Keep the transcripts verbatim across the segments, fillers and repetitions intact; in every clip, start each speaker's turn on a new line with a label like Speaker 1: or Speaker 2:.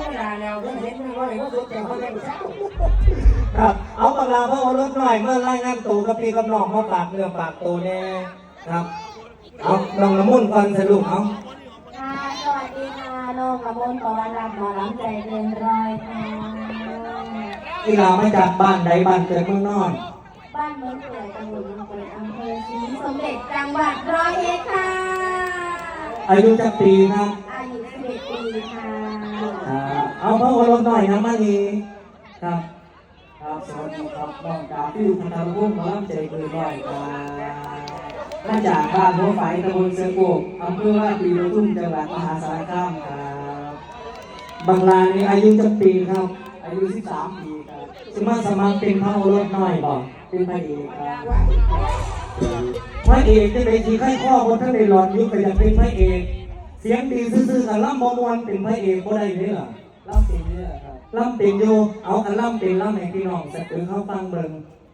Speaker 1: ไม่ได้แล้วก็เห็นไม่ว่าเลยว่าสุดแต่เขาเล่นเช้า
Speaker 2: ครับเอาปากลาพระโอรสหน่อยเมื่อรายงานตัวกับพี่กับน้องมาปากเนื้อปากตัวเนี่ยครับเอาน้องละมุนก่อนสรุปเอา
Speaker 3: ค่ะสวัสดีค่ะน้องละมุนปวันรับหมอลำใจเกินร้อยค่ะ
Speaker 2: ที่เรามาจากบ้านใดบ้านเกิดเมืองนอน
Speaker 3: บ้านเมืองเกิดตำบลเมืองเกิดอำเภอศรีสมเด็จจังหวัดร้อยเอ็ดค่ะ
Speaker 2: อายุจักปีครับ
Speaker 3: อายุสิบเอ็ดปีค่ะ
Speaker 2: เอาพระโอรสหน่อยนะมานีครับ
Speaker 1: ครับสวัสดีครับน้องกาฟิวพันธะรุ่งหมอลำใจเกินร้อยครับมาจากบ้านหัวไฟตำบลเสือโกกอำเภอว่าปีรุ่งจังหวัดมหาสารคามครับ
Speaker 2: บางลานี่อายุจักปีครับ
Speaker 1: อายุสิบสามปีครับ
Speaker 2: สมัครสมัครเป็นพระโอรสน้อยบอก
Speaker 1: เป็นพระเอกครับ
Speaker 2: พระเอกจะเป็นทีไข้ข้อบนท่านในหลอดยุคก็จะเป็นพระเอกเสียงดีซื่อๆกับล่ำมอมวนเป็นพระเอกก็ได้เลยเหรอ
Speaker 1: ล่ำเป็นเนี่ยครับ
Speaker 2: ล่ำเป็นโยเอากันล่ำเป็นล่ำให้พี่น้องสักถึงเข้าฟังเบิ่ง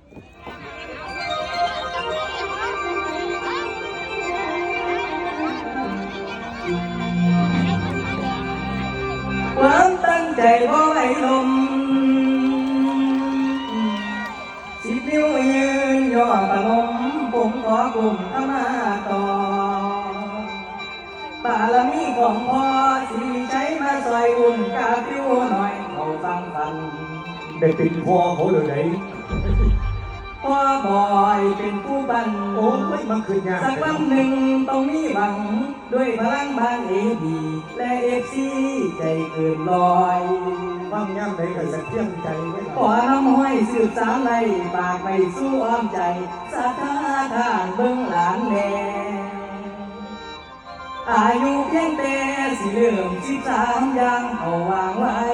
Speaker 1: ความตั้งใจว่าไหลลมสิบนิ้วยืนย่อประนมผมขอกลุ่มเข้ามาต่อบารมีของพ่อสิใช้มาซอยอุ่นกาฟิวหน่อยเขาฟังฟัน
Speaker 2: ได้เป็นพ่อเขาเลยไหน
Speaker 1: พ่อบอยเป็นผู้บัน
Speaker 2: โอ้ยมันคือยาก
Speaker 1: สักวันหนึ่งต้องมีหวังด้วยพลังบางเอดีและเอฟซีใจเกินลอย
Speaker 2: ฟังย่ำได้กับสักเที่ยงใจไว้
Speaker 1: ขอน้ำห้อยสืบสามในปากไม่สู้อ้อมใจสาธาทานเบื้องหลานแน่อายุเพียงแต่สิเริ่มสิบสามยังเอาวางไว้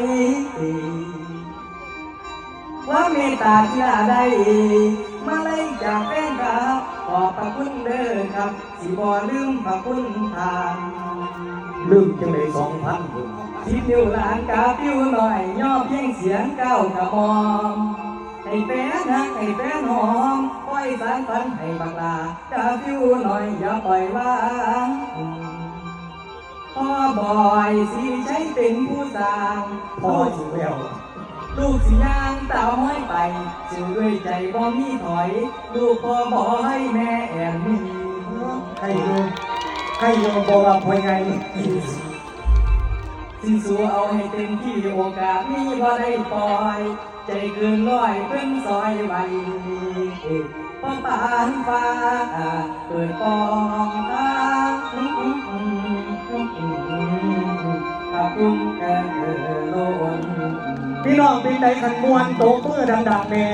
Speaker 1: ว่าเมตตาที่ละได้มาเลยจากแฟนครับขอบพระคุณเด้อครับสิบ่ลืมพระคุณทาน
Speaker 2: ลืมจังเลยสองพันคน
Speaker 1: สิบนิ้วหลานกาฟิวหน่อยย่อเพียงเสียงก้าวกระหม่อมให้แฟนฮักให้แฟนหอมปล่อยสารฝันให้บักลากาฟิวหน่อยอย่าปล่อยวางพ่อบอยสิใช้เป็นผู้สร้าง
Speaker 2: พ่อสิแวว
Speaker 1: ลูกสิย่างตาห้อยไปสื่อด้วยใจบ่มีถอยลูกพ่อบอยแม่แอนมี
Speaker 2: ให้โยให้โยบอกว่าพ่อไง
Speaker 1: สิสู้เอาให้เต็มที่โอกาสนี้บ่ได้ปล่อยใจเกินร้อยเพิ่นซอยไว้พ่อปานฟ้าเปิดปองตาขอบคุณแก่โลน
Speaker 2: พี่น้องเป็นใจขันมวนโตเพื่อดังๆแม่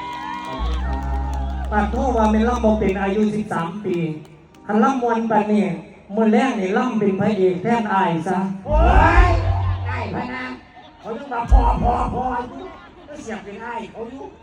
Speaker 2: ปัดโทษว่าเป็นล่ำบอกเป็นอายุสิบสามปีขันล่ำมวนปันนี่มวนแรกนี่ล่ำเป็นพระเอกแทนอายซะ
Speaker 1: โอ้ยได้พะนะเขาต้องมาพอพอพอเสียบเป็นไอ้เขาอยู่